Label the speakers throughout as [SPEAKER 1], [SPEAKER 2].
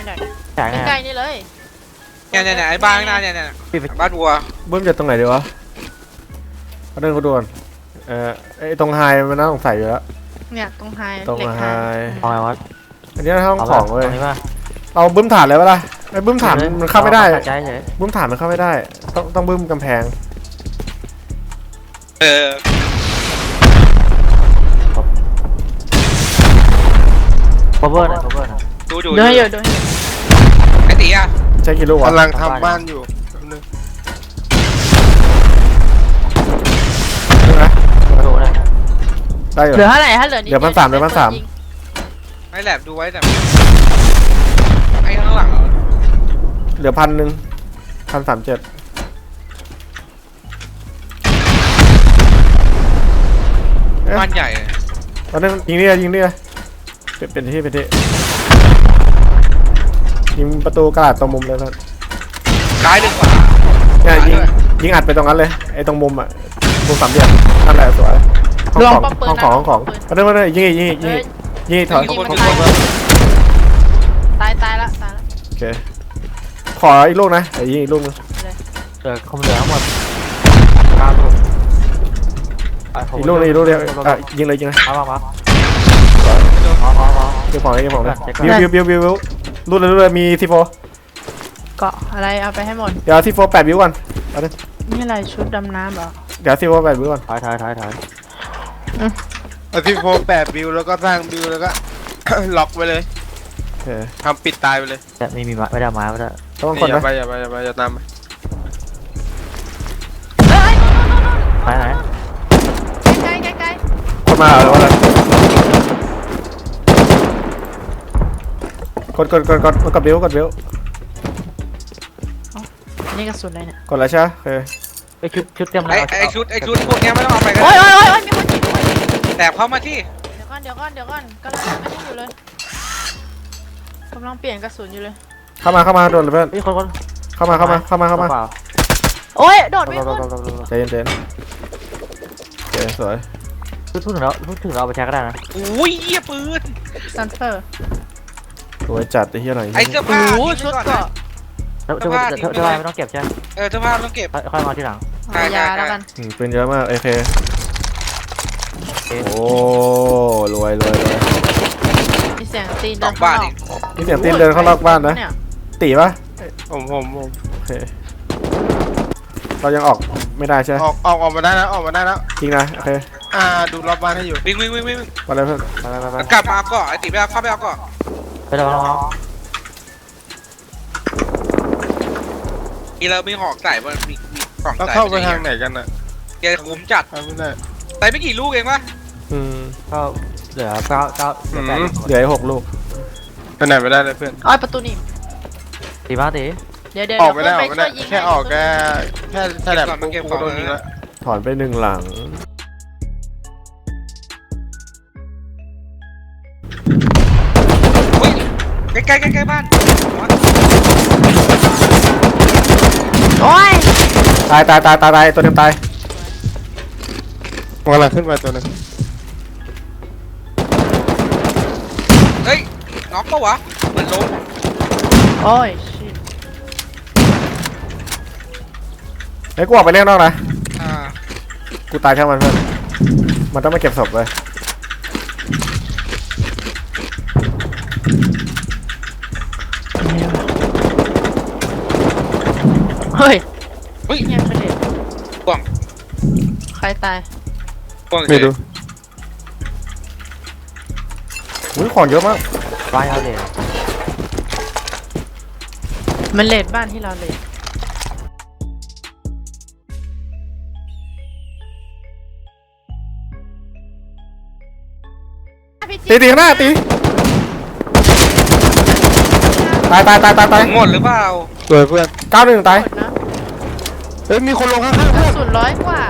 [SPEAKER 1] หน่อย
[SPEAKER 2] ใช่ไง
[SPEAKER 1] ใกล้ๆนี่เลย
[SPEAKER 3] เนี่ยไอ้บ้านหน้าเนี่ยบ้านวัว
[SPEAKER 4] เบิ้มจะตรงไหนดีวะเอาเดินเขาด่วนไอ้ตรงไฮมันน่าสงสัยอยู่แล้ว
[SPEAKER 1] เนี่ยตรงไฮ
[SPEAKER 4] ตรงไฮ
[SPEAKER 2] เอาไงวะ
[SPEAKER 4] อันนี้ห้องของเลย
[SPEAKER 2] ตรงนี้ป่ะ
[SPEAKER 4] เอาบึ้มฐานเลยปะล่ะไอ้บึ้มฐานมันเข้าไม่ได้
[SPEAKER 2] ใจเฉย
[SPEAKER 4] บึ้มฐานมันเข้าไม่ได้ต้องบึ้มกำแพง
[SPEAKER 2] cover หน่อย cover หน่อย
[SPEAKER 3] ดู
[SPEAKER 1] เดินอยู่เดิน
[SPEAKER 3] ไอ้ตีอ่ะ
[SPEAKER 4] ใช้กี่ลูกวะ
[SPEAKER 5] กำลังทำบ้านอยู่นึง
[SPEAKER 4] ใช่ไหม
[SPEAKER 2] ดูนะ
[SPEAKER 4] ได้อยู่
[SPEAKER 1] เหลือเท่าไหร่ถ้าเหลือนิด
[SPEAKER 4] เดี๋ยวพันสามเดี๋ยวพันสาม
[SPEAKER 3] ไอ้แหลบดูไว้แต่ไอ้ข้างหลัง
[SPEAKER 4] เหลือ1,137
[SPEAKER 3] บ้านใหญ่
[SPEAKER 4] ตอนนี้ยิงนี่เป็นที่ยิงประตูกระดาษตรงมุมเลยครับ
[SPEAKER 3] ซ้ายดึงขวา
[SPEAKER 4] เนี่ยยิงอัดไปตรงนั้นเลยไอ้ตรงมุมอ่ะมุมสามเหลี่ยมนั่นแหละสวยห้องของมาเลยยิงถอย
[SPEAKER 1] ตายละ
[SPEAKER 4] โอเคขออีกลูกนะเดี๋ยวยิงอีกลูกนึง
[SPEAKER 2] คงเหลือทั้งหมด9 ลูก
[SPEAKER 4] อีกลูกเดียวยิงเลย
[SPEAKER 2] มา
[SPEAKER 4] เก็บของบิวรูดเลยมีซีโฟ
[SPEAKER 1] เกาะอะไรเอาไปให้หมด
[SPEAKER 4] เดี๋ยวซีโฟ8 วิวก่อน
[SPEAKER 1] นี่อะไรชุดดำน้ำเหรอ
[SPEAKER 4] เดี๋ยวซีโฟ8 วิวก่อน
[SPEAKER 2] ถอย
[SPEAKER 5] เอาที่โฟ8 บิวแล้วก็สร้างบิวแล้วก็ ล็อกไว้เลย
[SPEAKER 4] โอเค
[SPEAKER 5] ทำปิดตายไปเลย
[SPEAKER 2] แต่ไม่มีไม่ได้ไม้ไม่ได้
[SPEAKER 4] ต้องคน
[SPEAKER 5] อย่า
[SPEAKER 4] นะ
[SPEAKER 5] ไปอย่าตามไป
[SPEAKER 1] เฮ้ย
[SPEAKER 2] ไหน
[SPEAKER 1] ใกล้
[SPEAKER 4] คนมาแล้วอะไรกดบิว
[SPEAKER 1] นี่กระสุนอะไรเนี่ย
[SPEAKER 4] กดแล้วใช่โอเค
[SPEAKER 2] ไอชุดเต็มเลย
[SPEAKER 3] ไอ้ชุดพวกนี้ไม่ต้องเอาไปกัน
[SPEAKER 1] โอ้ยมีคนยิงด้วย
[SPEAKER 3] แต่เข้ามาที่
[SPEAKER 1] เดี๋ยวก่อนกำลังไม่ได้อยู่เลยกำลังเปลี่ยนกระสุนอยู่เลย
[SPEAKER 4] เข้ามาโดนเลยเพื่อน
[SPEAKER 2] ไอคน
[SPEAKER 4] เข้ามา
[SPEAKER 1] โอ้ยโดดไม่ขึ้น
[SPEAKER 4] ใจเย็นโอเคสวย
[SPEAKER 2] พูดถึงเราไปแช็กก็ได้นะ
[SPEAKER 3] อุ้ยเหี้ยปืน
[SPEAKER 1] ซันเฟอร์
[SPEAKER 4] สวยจัดไอ้เหี้ยหน่อย
[SPEAKER 3] ไอ้เสื้อผ้า
[SPEAKER 1] โอ้ชุดเกาะ
[SPEAKER 2] เสื้อผ้าไม่ต้องเก็บใช่ไหม
[SPEAKER 3] เสื้อผ้าต้องเก็บ
[SPEAKER 2] ค่อยมาทีหลัง
[SPEAKER 1] เอายาแล้วกัน
[SPEAKER 4] เป็นเยอะมากโอเคโอ้รวย
[SPEAKER 1] มีเสียงตีน
[SPEAKER 3] ส
[SPEAKER 1] เดิ
[SPEAKER 3] อน ง
[SPEAKER 1] ข้าง
[SPEAKER 3] บ้าน
[SPEAKER 1] นอ
[SPEAKER 3] อี
[SPEAKER 1] ก
[SPEAKER 3] ก
[SPEAKER 4] นี่เสียงตีนเดินเข้านอกบ้านนะ
[SPEAKER 1] เนี่ย
[SPEAKER 4] ตีปะ
[SPEAKER 5] ผม
[SPEAKER 4] โอเคเรายังออกไม่ได้ใช่ไหม
[SPEAKER 5] ออกมาได้แล้ว
[SPEAKER 4] จริงนะโอเค
[SPEAKER 5] ดูรอบบ้านให้อยู่
[SPEAKER 3] วิ่ง
[SPEAKER 4] มาเลยเพื่อน
[SPEAKER 2] ไป
[SPEAKER 3] กลับมาเอาก่อนไอ้ตีไปเอาเข้าไปเอาก่อน
[SPEAKER 2] ไปเดี๋ยวน้อง
[SPEAKER 3] มีเรามีหอกใส่มันมีของ
[SPEAKER 5] แล้ว
[SPEAKER 3] ใส่
[SPEAKER 5] เข้าไปทางไหนกันน่ะ
[SPEAKER 3] แกคุ้มจัด
[SPEAKER 5] ไม่ได้
[SPEAKER 3] ใส่ไม่กี่ลูกเองวะ
[SPEAKER 2] ก็เหลือ9
[SPEAKER 4] เหลือ6 ลูก
[SPEAKER 5] ไปไหนไม่ได้เลยเพื่อน
[SPEAKER 1] อ้อยประตูนี่
[SPEAKER 2] ตีบ้าตี
[SPEAKER 1] เดี๋ยว
[SPEAKER 5] ออกไม่ได้
[SPEAKER 1] ช่วยยิง
[SPEAKER 5] แค่ออกแค่แฉลบกูโดนยิงแล้ว
[SPEAKER 4] ถอนไป1 หลัง
[SPEAKER 3] อุ้ยใกล้บ้าน
[SPEAKER 1] โอ้ย
[SPEAKER 4] ตายตัวเต็มตาย
[SPEAKER 5] กำลังขึ้นมาตัวนึง
[SPEAKER 3] เฮ้ยน็อกปะวะเหมือนล้ม
[SPEAKER 1] โอ้ยชิต
[SPEAKER 4] ไอ้กูออกไปเล่นนอกนะ
[SPEAKER 3] อ่า
[SPEAKER 4] กูตายช่างมันเพื่อนมันต้องมาเก็บศพเลย
[SPEAKER 1] เฮ้ย
[SPEAKER 3] เฮ้ย
[SPEAKER 1] เงียบไปเลย
[SPEAKER 3] กล่อง
[SPEAKER 1] ใครตาย
[SPEAKER 5] ไม่รู้
[SPEAKER 4] อุ้ยของเยอะมาก
[SPEAKER 2] บ้านเขาเลย
[SPEAKER 1] มันเลดบ้านที่เราเลด
[SPEAKER 4] ตีข้างหน้าตีตาย
[SPEAKER 3] หมดหรือเปล่า
[SPEAKER 5] สวยเพื่อน
[SPEAKER 4] 91ตาย
[SPEAKER 1] หมดนะ
[SPEAKER 5] เฮ้ยมีคนลงข้างๆ
[SPEAKER 1] ก
[SPEAKER 5] เพื่
[SPEAKER 1] ระ
[SPEAKER 5] อน
[SPEAKER 1] สุน100 กว่า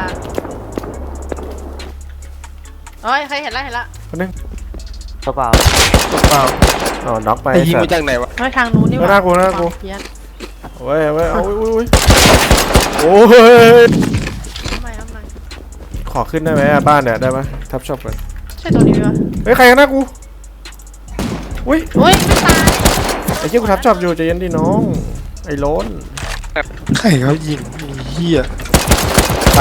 [SPEAKER 1] โอ้ยใครเห็นละ
[SPEAKER 4] คนนึง
[SPEAKER 2] ตัวเปล่า
[SPEAKER 5] เปล่า
[SPEAKER 4] อ๋อน็อกไป
[SPEAKER 5] ไอ้ยิงมาจากไหนวะ
[SPEAKER 1] ไม่ทางนู้นนี่หว่า
[SPEAKER 4] น่ากลัว
[SPEAKER 1] เพี้ยน
[SPEAKER 4] โอ้ยเอาโอ้ย
[SPEAKER 1] ทำไม
[SPEAKER 4] ขอขึ้นได้ไหมบ้านเนี่ยได้ไหมทับช็อปเลย
[SPEAKER 1] ใช่ตัวนี้ไหมวะ
[SPEAKER 4] เฮ้ยใครกันหน้ากูอุ้ย
[SPEAKER 1] อุ้ยไม่ตาย
[SPEAKER 4] ไอ้เหี้ยกูทับจอบอยู่ใจเย็นดิน้องไอ้โล้น
[SPEAKER 5] ใครเขายิงไอ้เหี้ย
[SPEAKER 4] ตาย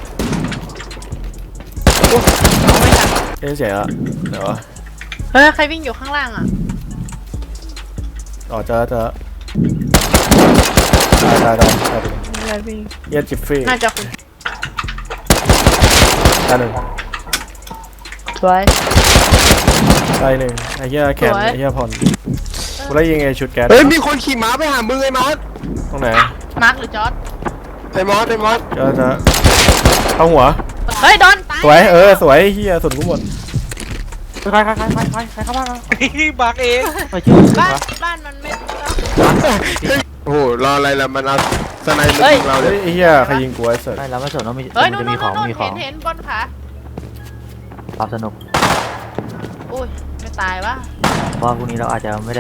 [SPEAKER 1] เอาไม่ทัน
[SPEAKER 4] เอ๊ะเสียละเดี๋ยว
[SPEAKER 1] เฮ้ยใครวิ่งอยู่ข้างล่างอ่ะ
[SPEAKER 4] อ๋อเจอตาย
[SPEAKER 1] มีอะไรวิ่ง
[SPEAKER 4] เหี้ยจิฟฟี่
[SPEAKER 1] น่าจะคุณ
[SPEAKER 4] ตายหนึ่ง
[SPEAKER 1] สวย
[SPEAKER 4] ตายหนึ่งไอ้เหี้ยแขน
[SPEAKER 1] สวย
[SPEAKER 4] ไอ้เหี้ยผ่อนกูได้ยิงไอ้ชุดแก๊ส
[SPEAKER 5] เฮ้ยมีคนขี่ม้าไปหามึงไอ้มอส
[SPEAKER 4] ตรงไหน
[SPEAKER 1] มาร์คหรือจอร์ด
[SPEAKER 5] ไอ้มอสไอ้มอส
[SPEAKER 4] เจอเข้าหัว
[SPEAKER 1] เฮ้ยโดนตาย
[SPEAKER 4] สวยสวยเหี้ยสุดกูหมด
[SPEAKER 2] ใครเข้าบ้านมา
[SPEAKER 3] บักเอง
[SPEAKER 2] ไปชื่อ
[SPEAKER 1] บ้านมันไม่
[SPEAKER 5] โอ้โหรออะไรล่ะมันเอาสไนเปอ
[SPEAKER 1] เฮ้
[SPEAKER 5] ร์
[SPEAKER 1] ย
[SPEAKER 5] ยิงเราเล
[SPEAKER 4] เฮ้ย
[SPEAKER 5] ย
[SPEAKER 4] ไอ้เหี้ยใครยิงกูไอ้สัส
[SPEAKER 2] ไม่เราไม่สนว่ามี
[SPEAKER 1] เฮ้ย
[SPEAKER 2] มัน
[SPEAKER 1] นู่
[SPEAKER 2] จะ
[SPEAKER 1] น
[SPEAKER 2] มีของ
[SPEAKER 1] เห็นบนขา
[SPEAKER 2] ความสนุก
[SPEAKER 1] อุ้ยไม่ตายวะ
[SPEAKER 2] เพราะว่าพรุ่งนี้เราอาจจะไม่ได้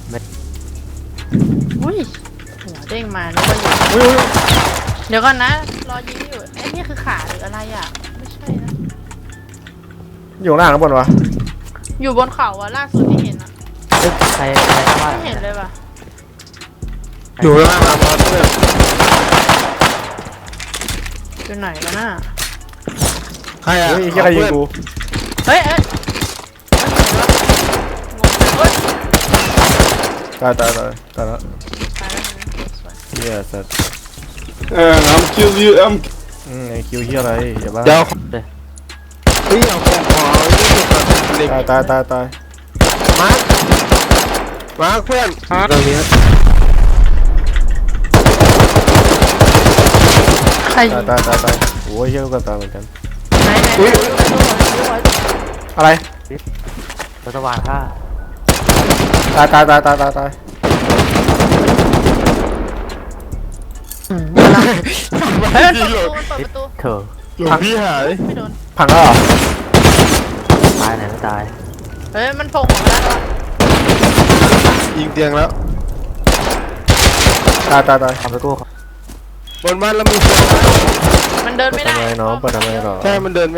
[SPEAKER 1] อุ้ยหัวเด้งมานึกว่าอยู่
[SPEAKER 4] อุ้ย
[SPEAKER 1] เดี๋ยวก่อนนะรอยิงอยู่ไอ้นี่คือขาหรืออะไรอ่ะไม่ใช่นะ
[SPEAKER 4] อยู่หน้าข้างบนวะ
[SPEAKER 1] อยู่บนเขาอะล่าสุดที่เห็นอะ
[SPEAKER 2] ใครเข้าบ้าน
[SPEAKER 1] ไม่เห็นเลยว่ะ
[SPEAKER 5] อยู่ข้างล่างมอสเพื่อน
[SPEAKER 1] อยู่ไหนกันน่ะ
[SPEAKER 5] ใครอ่ะ
[SPEAKER 4] เฮ้ยไอ้เหี้ยใครยิงกู
[SPEAKER 1] เฮ้ยเฮ้ย
[SPEAKER 4] ตายแล้ว
[SPEAKER 1] ตายแล้วสวย
[SPEAKER 4] เหี้ยสัส
[SPEAKER 5] I'm kill you I'm
[SPEAKER 4] ไอ้คิวเหี้ยอะไรอย่าบ้า
[SPEAKER 5] เดี๋ยวเฮ้ยเอาของขอเล็ก
[SPEAKER 4] ตาย
[SPEAKER 5] มาร์คเพื่อนตรงนี้
[SPEAKER 1] ใครยิง
[SPEAKER 4] ตายโอ้ยเหี้ยลูกกระตายเหมือนกัน
[SPEAKER 1] ไหน
[SPEAKER 4] อะไร
[SPEAKER 2] รัฐบาลฆ่า
[SPEAKER 4] ตาย
[SPEAKER 1] เฮ้ยมันเปิดประตู
[SPEAKER 2] เธอ
[SPEAKER 5] หลวงพี่หาย
[SPEAKER 1] ไม่โดน
[SPEAKER 4] พังแล้วเหรอ
[SPEAKER 2] ตายไหนไม่ตาย
[SPEAKER 1] เฮ้ยมันโผล่มาแล้ว
[SPEAKER 5] ยิงเตียงแล้ว
[SPEAKER 4] ตาย
[SPEAKER 2] ทำไปกู้
[SPEAKER 5] บนบ้านแล้วมีคน
[SPEAKER 1] มันเดินไม่ได้
[SPEAKER 4] เปิดทำไมน้องเปิดทำไมหรอ
[SPEAKER 5] ใช่มันเดิน